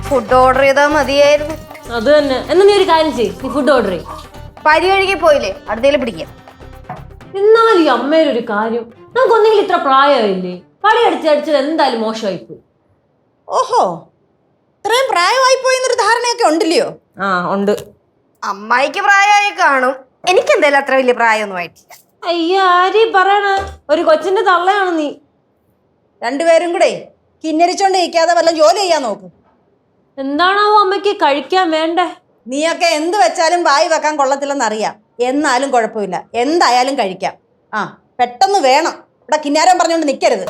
Food order ചെയ്താൽ മതിയായിരുന്നു. അത് തന്നെ. എന്നാ നീ ഒരു കാര്യം ചെയ്യ്, നീ ഫുഡ് ഓർഡർ ചെയ്യും. പരികഴുകി പോയില്ലേ, അടുത്തേലും പിടിക്കാം. എന്നാലും ഈ അമ്മേരൊരു കാര്യം, നമുക്കൊന്നെങ്കിലും ഇത്ര പ്രായമായില്ലേ, പടി അടിച്ചടിച്ചത് എന്തായാലും മോശമായിപ്പോയി. ഓഹോ, ഇത്രയും പ്രായമായി പോയെന്നൊരു ധാരണയൊക്കെ ഉണ്ടല്ലയോ? ആ ഉണ്ട്. അമ്മായിക്ക് പ്രായമായി കാണും, എനിക്ക് എന്തായാലും അത്ര വലിയ പ്രായമൊന്നും ആയിട്ടില്ല. അയ്യ, ആരീ പറയണ, ഒരു കൊച്ചിന്റെ തള്ളയാണ് നീ. രണ്ടുപേരും കൂടെ കിന്നരിച്ചോണ്ട് ഇരിക്കാതെ വല്ല ജോലി ചെയ്യാൻ നോക്ക്. എന്താണാവോ അമ്മയ്ക്ക് കഴിക്കാൻ വേണ്ടേ? നീയൊക്കെ എന്ത് വെച്ചാലും വായി വെക്കാൻ കൊള്ളത്തില്ലെന്നറിയാം, എന്നാലും കുഴപ്പമില്ല, എന്തായാലും കഴിക്കാം. ആ, പെട്ടെന്ന് വേണം. ഇവിടെ കിന്നാരം പറഞ്ഞുകൊണ്ട് നിൽക്കരുത്.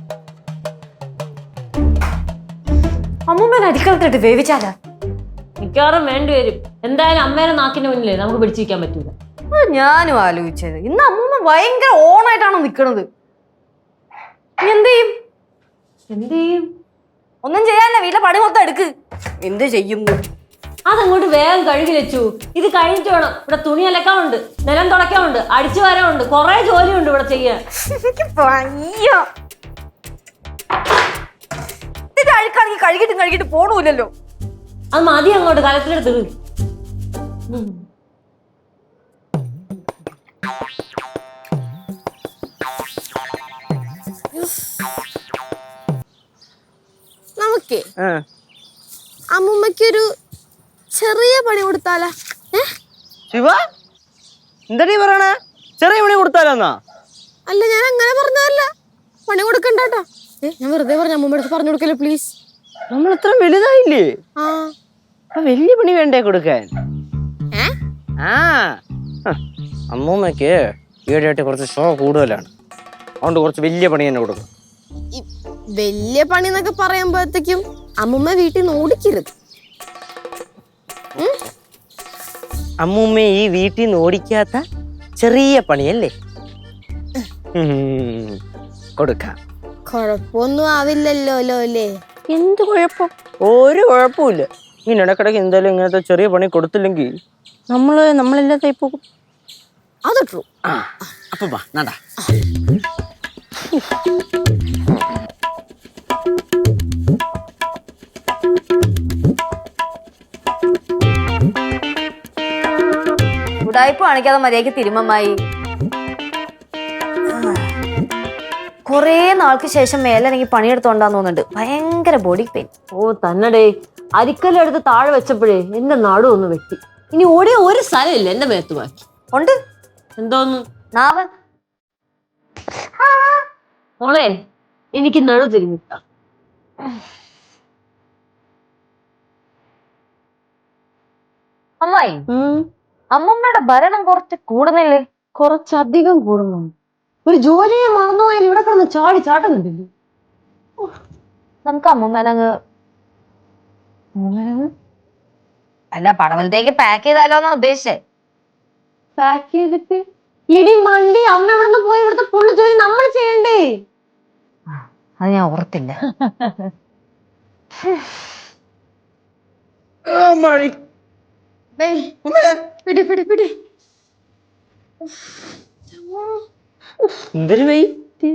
അമ്മൂമ്മ അരിക്കളത്തിട്ട് വേവിച്ചാലാ? മിക്കവാറും വേണ്ടി വരും. എന്തായാലും അമ്മേനെ നാക്കിന്റെ മുന്നിലേ നമുക്ക് പിടിച്ചിരിക്കാൻ പറ്റൂല. ഞാനും ആലോചിച്ചത്. ഇന്ന് അമ്മൂമ്മ ഭയങ്കര ഓണായിട്ടാണോ നിക്കണത്. എന്ത് ചെയ്യും? എന്ത് ചെയ്യും? ഒന്നും ചെയ്യാനില്ല, വീട്ടിലെ പണി മൊത്തം എടുക്ക്. എന്ത് ചെയ്യുന്നു? അതങ്ങോട്ട് വേഗം കഴുകി വെച്ചു. ഇത് കഴിഞ്ഞിട്ട് വേണം. ഇവിടെ തുണി അലക്കാനുണ്ട്, നിലം തുടയ്ക്കാനുണ്ട്, അടിച്ചു വരാനുണ്ട്, കുറെ ജോലിയുണ്ട് ഇവിടെ ചെയ്യാൻ. അഴുക്കാണെങ്കിൽ കഴുകിട്ട് പോണൂല്ലോ. അത് മതി, അങ്ങോട്ട് കലത്തിലെടുത്ത്. നമുക്കേ അമ്മൂമ്മക്കൊരു ചെറിയ പണി കൊടുത്താലാ? ശിവ, എന്താ പറയണേ? ചെറിയ പണി കൊടുത്താലോന്നാ? അല്ല, ഞാൻ അങ്ങനെ പറഞ്ഞതല്ല. പണി കൊടുക്കണ്ടാട്ടോ. ഞാൻ വെറുതെ പറഞ്ഞു. അമ്മൂമ്മ അടുത്ത് പറഞ്ഞു കൊടുക്കല്ലേ പ്ലീസ്. നമ്മൾ ഇത്ര വലുതായില്ലേ? ആ, വലിയ പണി വേണ്ടേ കൊടുക്കാൻ? ആ, അമ്മൂമ്മക്ക് ഈടായിട്ട് കുറച്ച് ഷോ കൂടുതലാണ്, അതുകൊണ്ട് കുറച്ച് വലിയ പണി തന്നെ കൊടുക്കും. വലിയ പണി എന്നൊക്കെ പറയുമ്പോഴത്തേക്കും അമ്മൂമ്മ വീട്ടിൽ നിന്ന് ഓടിക്കരുത്. അമ്മൂമ്മ ഈ വീട്ടിൽ നിന്ന് ഓടിക്കാത്ത ചെറിയ പണിയല്ലേ കൊടുക്കാം. കൊഴപ്പൊന്നും ആവില്ലല്ലോ അല്ലേ? എന്ത് കുഴപ്പം? ഒരു കുഴപ്പമില്ല. ഇങ്ങനെ ഇടക്കിടക്ക് എന്തായാലും ഇങ്ങനത്തെ ചെറിയ പണി കൊടുത്തില്ലെങ്കിൽ നമ്മളെല്ലാത്തായി പോകും. അത് ട്രൂ. അപ്പൊ വാ നടാ. ഉടായ്പ കാണിക്കാതെ മര്യാദക്ക് തിരുമമ്മായി. കൊറേ നാൾക്ക് ശേഷം മേലെനിക്ക് പണിയെടുത്തോണ്ടാന്ന് തോന്നുന്നുണ്ട്. ഭയങ്കര ബോഡി പെയിൻ. ഓ തന്നടേ, അരിക്കലെടുത്ത് താഴെ വെച്ചപ്പോഴേ എന്റെ നടുവ് ഒന്ന് വെട്ടി. ഇനി ഓടിയ ഒരു സ്ഥലമില്ല എന്റെ മേത്ത് ബാക്കി. ഉണ്ട്. എന്തോന്ന്? നാവ്. മോളെ, എനിക്ക് നടു തിരിഞ്ഞിട്ട. അമ്മായി, അമ്മമ്മയുടെ ഭരണം കുറച്ച് കൂടുന്നില്ലേ? കുറച്ചധികം കൂടുന്നു. ഒരു ജോലിയെ മറന്നുപോയാൽ ഇവിടെ കിടന്ന് ചാട്ടുന്നുണ്ടല്ലോ. നമുക്ക് അമ്മമ്മേനങ്ങ് അല്ല പടവലത്തേക്ക് പാക്ക് ചെയ്താലോന്നാ ഉദ്ദേശിച്ചേ. പാക്ക് ചെയ്തിട്ട് ഇടി മണ്ടി അമ്മ ഇവിടുന്ന് പോയി ഇവിടുത്തെ പുള്ളി ജോലി നമ്മൾ ചെയ്യണ്ടേ? അത് ഞാൻ ഓർത്തില്ല. എന്തൊരു വെയിറ്റ്.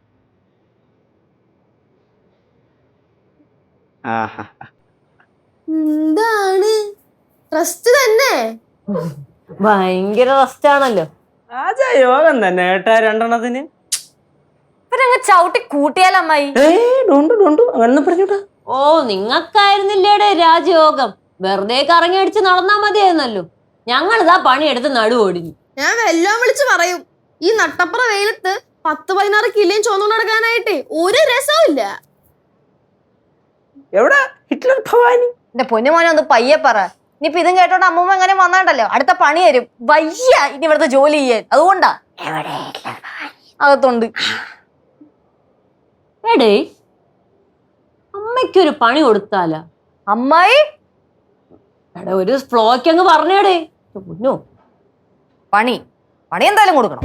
എന്താണ് റെസ്റ്റ് തന്നെ? ഭയങ്കര റെസ്റ്റ് ആണല്ലോ. ആജാ യോഗം തന്നെ ഏട്ടാ രണ്ടെണ്ണത്തിന്. ഇവരങ്ങ് ചവിട്ടി കൂട്ടിയാലമ്മായി. അങ്ങനെ പറഞ്ഞൂടാ. ഓ, നിങ്ങൾക്കായിരുന്നില്ലേടെ രാജയോഗം. വെറുതെ കറങ്ങി അടിച്ച് നടന്നാ മതിയായിരുന്നല്ലോ. ഞങ്ങളിതാ പണിയെടുത്ത് നടുവോടിഞ്ഞു. ഞാൻ വെല്ലോം വിളിച്ച് പറയും, ഈ നട്ടപ്പുറ വെയിലത്ത് 10-16 കിലോയും ചോന്നുകൊണ്ട് നടക്കാനായിട്ട് ഒരു രസവും ഇല്ല. എവിടെ ഹിറ്റ്ലർ ഭവാനി? എന്റെ പൊന്നുമോനെ ഒന്ന് പയ്യെ പറ. ഇനിയിപ്പൊ ഇതും കേട്ടോണ്ട് അമ്മൂമ്മ എങ്ങനെ വന്നാണ്ടല്ലോ അടുത്ത പണി തരും. വയ്യ ഇനി ഇവിടുത്തെ ജോലി ചെയ്യാൻ. അതുകൊണ്ടാ അകത്തുണ്ട്. എടേ, അമ്മയ്ക്കൊരു പണി കൊടുത്താലാ? അമ്മായി എടാ, ഒരു ഫ്ലോയ്ക്ക് അങ്ങ് പറഞ്ഞേടേ. പൊന്നോ, പണി എന്തായാലും കൊടുക്കണം.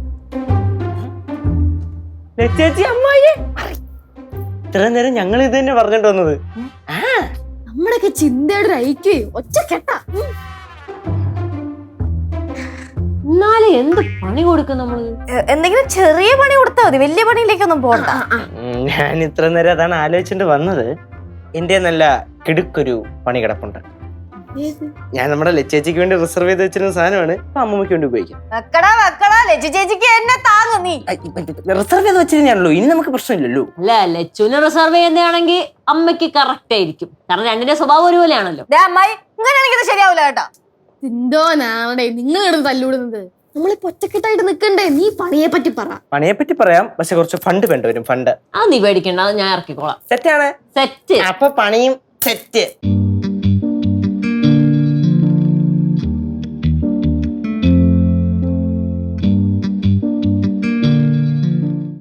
ചേച്ചി അമ്മായി ഇത്ര നേരം ഞങ്ങൾ ഇത് തന്നെ പറഞ്ഞിട്ട് വന്നത്. നമ്മുടെയൊക്കെ ചിന്തയുടെ ഒരു ഐക്യം ഒറ്റ കെട്ടാ. എന്നാലും എന്ത് പണി കൊടുക്കും നമ്മള്? എന്തെങ്കിലും ചെറിയ പണി കൊടുത്താൽ മതി, വലിയ പണിയിലേക്കൊന്നും പോകണ്ട. ഞാൻ ഇത്ര നേരം അതാണ് ആലോചിച്ചിട്ട് വന്നത്. എന്റെ നല്ല കിടുക്കൊരു പണി കിടപ്പുണ്ട്. ഞാൻ നമ്മുടെ ലച്ചേച്ചിക്ക് വേണ്ടി റിസർവ് ചെയ്ത് വെച്ചിരുന്ന സാധനമാണ് ഇപ്പൊ അമ്മൂമ്മയ്ക്ക് വേണ്ടി ഉപയോഗിക്കാം. വെക്കടാ ലച്ചു ചേച്ചിക്ക് എന്നെ താങ്ങും നീ. റിസർവ് ചെയ്ത് വെച്ചിരുന്നാണല്ലോ, ഇനി നമുക്ക് പ്രശ്നമില്ലല്ലോ. അല്ല ലച്ചുവിനെ റിസർവ് ചെയ്യുന്നതാണെങ്കിൽ അമ്മയ്ക്ക് കറക്റ്റ് ആയിരിക്കും. കാരണം രണ്ടിന്റെ സ്വഭാവം ഒരുപോലെയാണല്ലോ. അമ്മായി ഇങ്ങനെയാണെങ്കിൽ ഇത് ശരിയാവില്ല കേട്ടോ. എന്തോനാണേ നിങ്ങൾ കിടന്ന് തല്ലുവിടുന്നത്? നമ്മളിപ്പോ ഒറ്റക്കെട്ടായിട്ട് നിക്കണ്ടേ? നീ പണിയെ പറ്റി പറ. പണിയെ പറ്റി പറയാം, പക്ഷെ കുറച്ച് ഫണ്ട് വേണ്ടി വരും. ഫണ്ട് അത് നീ പേടിക്കണ്ട, അത് ഞാൻ ഇറക്കിക്കോളാം. സെറ്റാണ്. സെറ്റ്. അപ്പൊ പണിയും സെറ്റ്.